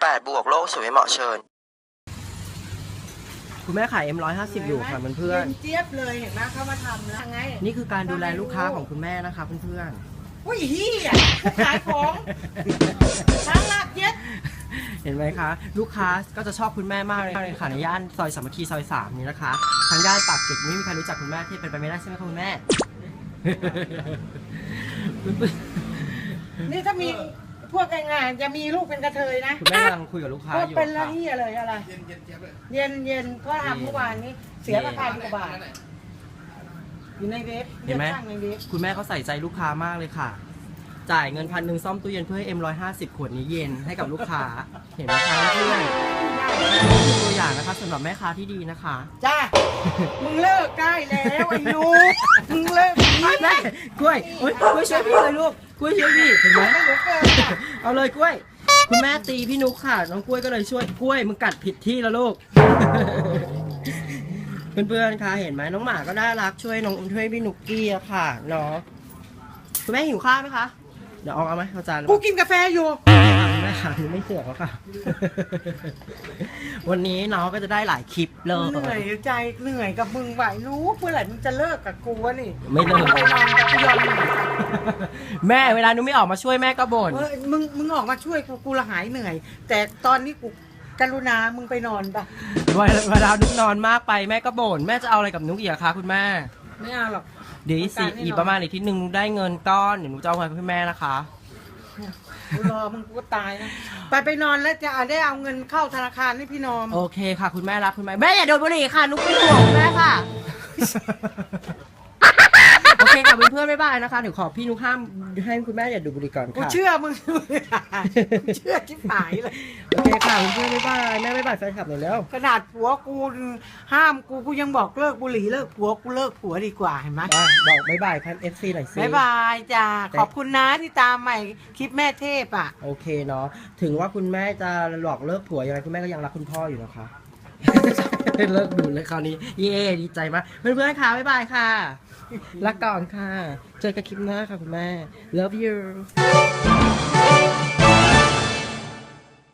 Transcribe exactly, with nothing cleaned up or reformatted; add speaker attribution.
Speaker 1: ดบวกโลกสวยเหมาะเชิญ
Speaker 2: คุณแม่ขาย เอ็ม หนึ่งร้อยห้าสิบ อยู่ค่ะเพื่อน
Speaker 3: เจี๊ยบเลยเห็นไหมเขามาทำแล้วไง
Speaker 2: ๆนี่คือการดูแลลูกค้าของคุณแม่นะคะเพื่อน
Speaker 3: อุ้ยฮี่อ่ะขายของช้างลากเย็ด
Speaker 2: ๆ เห็นไหมคะ ลูกค้าก็จะชอบคุณแม่มากเลยค่ะในย่านซอยสามัคคีซอยสามนี้นะคะทางย่านปากเกร็ดไม่มีใครรู้จักคุณแม่ที่เป็นไปไม่ได้ใช่ไหมคะคุณแม่
Speaker 3: นี่ถ้ามีพวกงานจะมีลูกเป็นกระเทยนะ
Speaker 2: คุณแม่กำลังคุยกับลูกค้า
Speaker 3: ก็
Speaker 2: อยู่
Speaker 3: เป็นละ
Speaker 2: ค่ะ
Speaker 3: เฮียเลยอะไรเย็นเย็นเจี๊ยบเลยเย็นเย็นก็ทำเมื่อวานนี้เสียราคาพันกว่าบาทอยู่ในเว็บ
Speaker 2: เห็นไหม
Speaker 3: ในเว็บ
Speaker 2: คุณแม่เขาใส่ใจลูกค้ามากเลยค่ะ จ่ายเงินพันหนึ่งซ่อมตู้เย็นเพื่อให้ เอ็ม หนึ่งร้อยห้าสิบ ขวดนี้เย็นให้กับลูกค้า เห็นไหมคะเพื่อนนี่คือตัวอย่างนะคะสำหรับแม่ค้าที่ดีนะคะ
Speaker 3: จ้ามึงเลิกได้แล้วไอ้หนูมึงเลิกนี้
Speaker 2: แม่กล้วยโอ๊ยกล้วยช่วยพี่เลยลูกกล้วยช่วยพี่เห็นไหม
Speaker 3: ไม่รู้เกินอ่ะ
Speaker 2: เอาเลยกล้วย คุณแม่ตีพี่นุ๊กค่ะน้องกล้วยก็เลยช่วยกล้วยมึงกัดผิดที่แล้วลูก เพื่อนๆคะเห็นไหมน้องหมาก็น่ารักช่วยน้องช่วยพี่นุ๊กกี้อะค่ะเนาะคุณแม่หิวข้าวไหมคะเดี๋ยวเอาเอาไหมเอาจาน
Speaker 3: กูกินกาแฟอยู่
Speaker 2: แม่ค่ะยังไม่เสือกแล้วค่ะ วันนี้น้องก็จะได้หลายคลิปเลย
Speaker 3: เหนื่อยใจเหนื่อยกับมึงไหวรู้เมื่อไหร่มึงจะเลิกกับกูวะนี่
Speaker 2: ไม่เลิก
Speaker 3: ไปนอนกับกูยอมหนี
Speaker 2: แม่เวลาหนูไม่ออกมาช่วยแม่ก็บ่น
Speaker 3: เออมึงมึงออกมาช่วยกูกูละหายเหนื่อย แต่ตอนนี้กูกรุณามึงไปนอนปะ
Speaker 2: เวลาเวลานุกนอนมากไปแม่ก็บ่นแม่จะเอาอะไรกับนุกอีกอะคะคุณแม่
Speaker 3: ไม่เอาหรอก
Speaker 2: เดี๋ยวอีกสิอีกประมาณอีกทีหนึ่งนุกได้เงินก้อนเดี๋ยวนุกจะเอาเงินให้แม่นะคะ
Speaker 3: กูรอมึงกูก็ตายนะไปไปนอนแล้วจะได้เอาเงินเข้าธนาคารให้พี่นอม
Speaker 2: โอเคค่ะคุณแม่รักคุณแม่แม่อย่าโดนบุหรี่ค่ะนุกเป็นห่วงคุณแม่ค่ะ โอเคค่ะเพื่อนๆบ๊ายบายนะคะเดี๋ยวขอพี่นุกห้ามให้คุณแม่อย่าดูดบุหรี่ก่อน
Speaker 3: กู
Speaker 2: ค่ะ
Speaker 3: เชื่อมึงกูเชื่อชิบหายเลย
Speaker 2: โอเคค่ะเพื่อนๆบ๊ายบายแม่บ๊ายบายแฟนคลับหน่อยแล้ว
Speaker 3: ขนาดผัวกูห้ามกูกูยังบอกเลิกบุหรี่เลิกผัวกูเลิกผัวดีกว่าเห็นไหม
Speaker 2: อ่ะบอกบ๊ายบายพันเอฟซีหน่อยสิ
Speaker 3: บายบายจ้าขอบคุณนะที่ตามใหม่คลิปแม่เทพอ่ะ
Speaker 2: โอเคเนาะถึงว่าคุณแม่จะหลอกเลิกผัวยังไงคุณแม่ก็ยังรักคุณพ่ออยู่นะคะ เลิกดูเลยคราวนี้เย้ดีใจมากเพื่อนๆค่ะบ๊ายบายค่ะรักก่อนค่ะเจอกันคลิปหน้าค่ะคุณแม่ love you